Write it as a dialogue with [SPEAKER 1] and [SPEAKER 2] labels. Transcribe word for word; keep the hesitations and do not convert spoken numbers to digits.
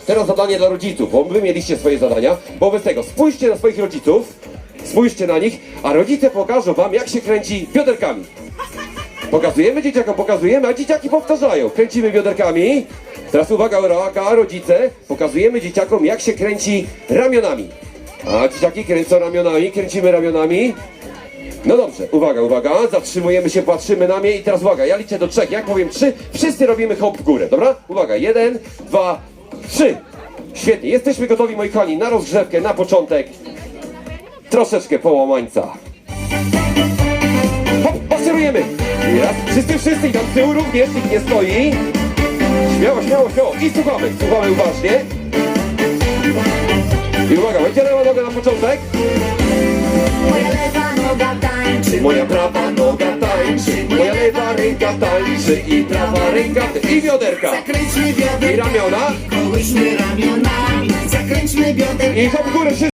[SPEAKER 1] teraz zadanie dla rodziców, bo wy mieliście swoje zadania. Wobec tego spójrzcie na swoich rodziców, spójrzcie na nich, a rodzice pokażą wam, jak się kręci bioderkami. Pokazujemy dzieciakom, pokazujemy, a dzieciaki powtarzają. Kręcimy bioderkami. Teraz uwaga, uwaga, rodzice, pokazujemy dzieciakom, jak się kręci ramionami. A dzieciaki kręcą ramionami, kręcimy ramionami. No dobrze, uwaga, uwaga, zatrzymujemy się, patrzymy na mnie i teraz uwaga, ja liczę do trzech, jak powiem trzy, wszyscy robimy hop w górę, dobra? Uwaga, jeden, dwa, trzy. Świetnie, jesteśmy gotowi, moi kochani, na rozgrzewkę, na początek. Troszeczkę połamańca. Hop, maszerujemy. Raz, wszyscy, wszyscy, i tam z tyłu również, nikt nie stoi. Śmiało, śmiało, śmiało i słuchamy, słuchamy uważnie. I uwaga, będzie lewa noga na początek.
[SPEAKER 2] Moja lewa noga tańczy,
[SPEAKER 1] Moja prawa noga tańczy, moja lewa ręka tańczy i prawa ręka i bioderka.
[SPEAKER 2] zakręćmy
[SPEAKER 1] I
[SPEAKER 2] bioderka,
[SPEAKER 1] ramiona
[SPEAKER 2] kołyśmy ramionami, zakręćmy bioderka.
[SPEAKER 1] i hop w górę wszyscy.